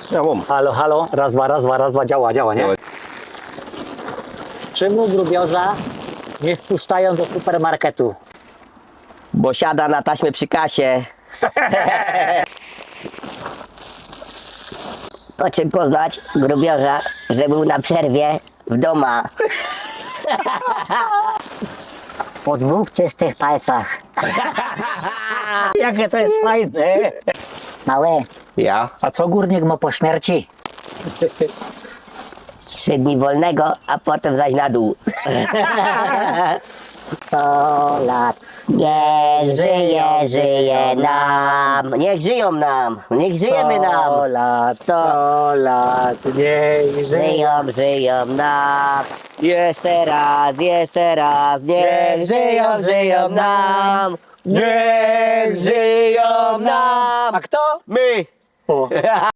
Halo, halo, raz, dwa, działa, nie? Czemu grubiorza nie wpuszczają do supermarketu? Bo siada na taśmę przy kasie. Po czym poznać grubiorza, że był na przerwie w doma. Po 2 czystych palcach. Jakie to jest fajne. Mały, Ja? a co górnik ma po śmierci? 3 dni wolnego, a potem zaś na dół. 100 lat. Niech żyje nam. Niech żyją nam. Niech żyjemy 100 nam. lat, 100 100 lat, niech żyje. Żyją nam. Jeszcze raz. Niech żyją nam. Niech żyją nam. A kto? My. O.